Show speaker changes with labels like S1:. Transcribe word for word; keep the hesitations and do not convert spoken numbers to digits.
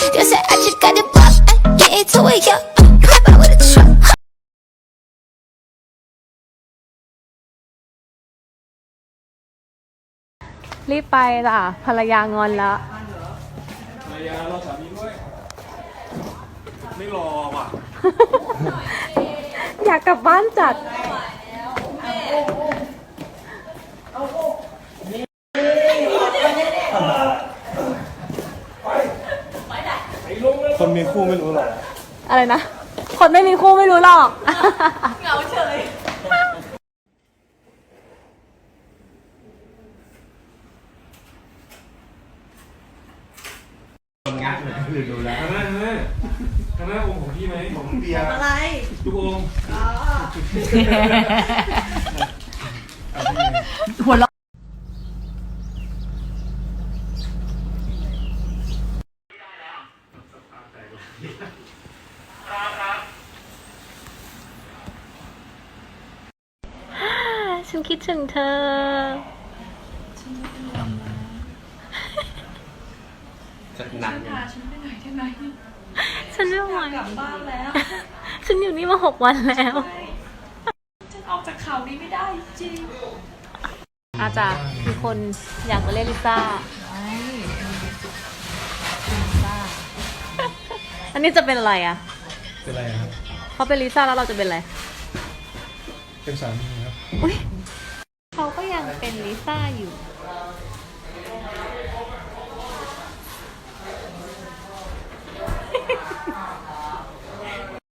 S1: You said I just got the block, ay, get into it, yeah. Hop out with a truck.
S2: รีบไปล่ะภรรยางอนแล้ว
S3: ภรรยารอสามีด้วยไม่รอว่ะ
S2: อยากกลับบ้านจัด
S3: คนมีคู่ไม่รู้หรอก
S2: อะไรนะคนไม่มีคู่ไม่รู้หรอกเหงาเฉย
S3: งัดเลยหรือดูแล้วข้างหน้าข้างหน้าข้างหน้าองค์ของพี่ไหมของเบียร์อะไรทุกองค์
S2: หัวเราะฉันคิดถึงเธอ
S4: จะนานยังฉันไปไหนได้ไหม
S2: ฉันไม่ไหว
S4: กลับบ้านแล้ว
S2: ฉันอยู่นี่มาหกวันแล้ว
S4: ฉันออกจากเขานี้ไม่ได้จริง
S2: อาจารย์มีคนอยากมาเล่นลิซ่าอันนี้จะเป็นอะไรอ่ะ
S3: เป็นอะไรครับ
S2: เขาเป็นลิซ่าแล้วเราจะเป็นอะไร
S3: เป็นสามีครับ
S2: อุ้ยเขาก็ยังเป็นลิซ่าอยู่